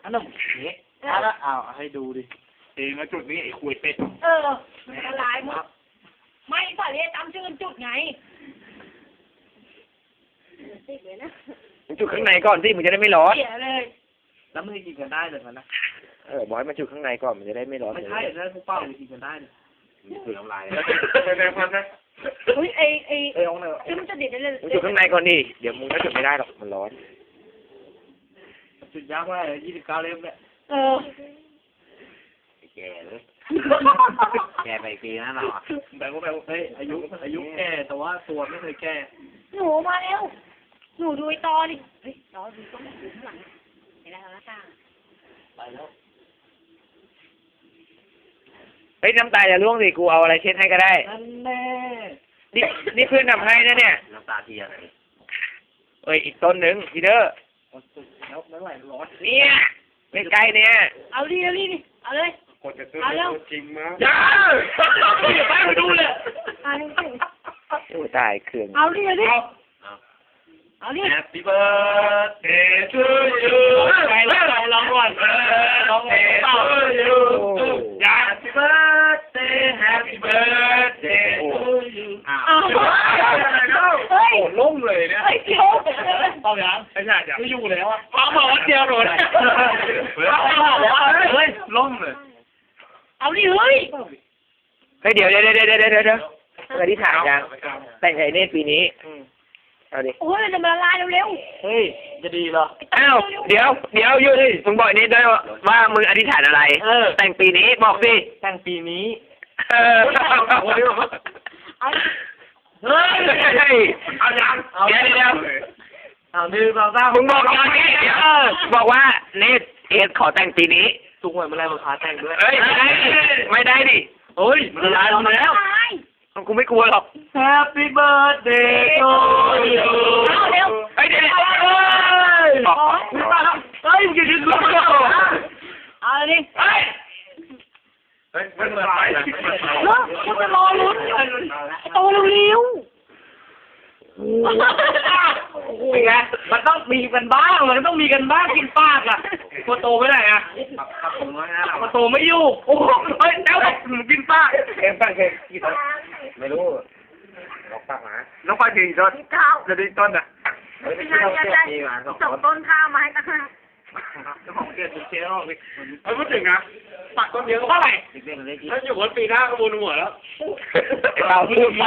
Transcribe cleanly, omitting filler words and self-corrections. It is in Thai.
นมเนี้ยแล้วเอาให้ดูดิเองแล้วจุดนี้ไอ้คุยเป็ดมันละลายหมดไม่สาเรียจำชื่อจุดไงติดเลยนะมึงจุดข้างในก่อนสิมึงจะได้ไม่ร้อนเสียเลยแล้วมึงกินกันได้เลยนะบอยมาจุดข้างในก่อนมันจะได้ไม่ร้อนไม่ใช่แล้วพวกเป้ากินกันได้เลยคือน้ำลายแดงมันนะอุ้ยไอ้องเลยซึ่งมันจะเด็ดได้เลยมึงจุดข้างในก่อนดิเดี๋ยวมึงก็จุดไม่ได้หรอกมันร้อนจุดยากมากเลย29 เล่มเนี่ยแก่เลยแก่ไปปีนะเราแบบว่าเฮ้ยอายุแก่แต่ว่าตัวไม่เคยแก่หนูมาแล้วหนูดูไอ้ตอดิเฮ้ยตอดูต้องดูข้างหลังเห็นไหมคะหน้าต่างไปแล้วเฮ้ยน้ำตาอย่าล่วงสิกูเอาอะไรเช็ดให้ก็ได้นั่นแน่นี่เพื่อนทำให้นะเนี่ยน้ำตาเทียนเอ้ยอีกต้นหนึ่งพีเดอร์แล้วไม่ไหวร้อนเนี่ยใกล้ๆเนี่ยเอาดิเอาเลยคนจะซื้อจริงมั้ยอย่าไปดูเลยโอ้ตายเครื่องเอาดิเอาดิ Happy birthday to you ไปแล้วลองก่อนลองเป่า Happy birthday Happy birthday to you เฮ้ยล้มเลยเนี่ยเฮ้ยเดี๋ยวเอาอย่างไม่ใช่ไม่อยู่แล้วอ่ะบอกว่าเดียวโดนเฮ้ยล้มเลยเอาดิเฮ้ยเดี๋ยวอธิษฐานยังแต่งไงเนี่ยปีนี้เอาดิโอ้ยจะมาละลายเร็วเฮ้ยจะดีเหรออ้าวเดี๋ยวอยู่ดิมึงบอกนี่ด้วยว่ามึงอธิษฐานอะไรแต่งปีนี้บอกสิแต่งปีนี้เอาเฮ้ยเอายังเดี๋ยวเอาดื้อเรามึงบอกก่อนนี่บอกว่าเนทเอสขอแต่งปีนี้ทุกวันเมื่อไรมาขาแต่งด้วยเฮ้ยไม่ได้ดิเฮ้ยมันละลายแล้วกูไม่กลัวหรอก Happy birthday to you เอาเร็วเฮ้ยเดี๋ยวเฮ้ยมึงจะดิ้นรนเอาดิเฮ้ยไม่เปิดไฟนะกูจะรอลุ้นโตเร็วเป็นไงมันต้องมีกันบ้างมันต้องมีกันบ้างกินปากอ่ะตัวโตไม่ได้อ่ะตัวโตไม่อยู่โอ้เฮ้ยแล้วกินปากเอ็มตั้งกี่ต้นไม่รู้ลองตั้งมาน้องไปกี่ต้นจะได้ต้นอ่ะไม่ใช่ส่งต้นข้าวมาให้ตั้งจะบอกเกศเชียร์ออกเลยไม่พูดถึงนะปักต้นเดียวก็เท่าไหร่ถ้าอยู่วันปีหน้าก็บนหัวแล้วเราพูดไป